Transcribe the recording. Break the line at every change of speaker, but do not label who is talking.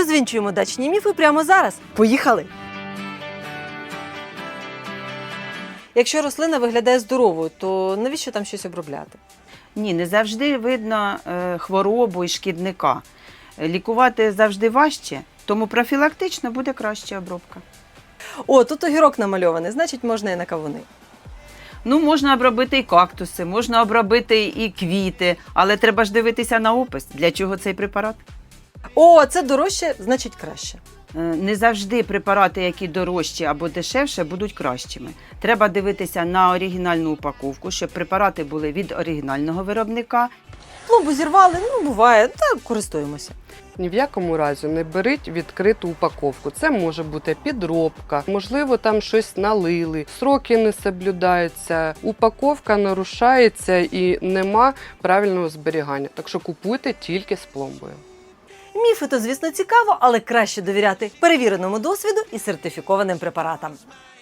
Розвінчуємо дачні міфи прямо зараз. Поїхали! Якщо рослина виглядає здоровою, то навіщо там щось обробляти?
Ні, не завжди видно хворобу і шкідника. Лікувати завжди важче, тому профілактично буде краща обробка.
О, тут огірок намальований, значить можна і на кавуни.
Ну, можна обробити і кактуси, можна обробити і квіти, але треба ж дивитися на опис, для чого цей препарат.
О, це дорожче, значить краще.
Не завжди препарати, які дорожчі або дешевше, будуть кращими. Треба дивитися на оригінальну упаковку, щоб препарати були від оригінального виробника.
Пломбу зірвали, ну буває, та користуємося.
Ні в якому разі не беріть відкриту упаковку. Це може бути підробка, можливо, там щось налили, сроки не соблюдаються, упаковка нарушається і нема правильного зберігання. Так що купуйте тільки з пломбою.
Міфи то, звісно, цікаво, але краще довіряти перевіреному досвіду і сертифікованим препаратам.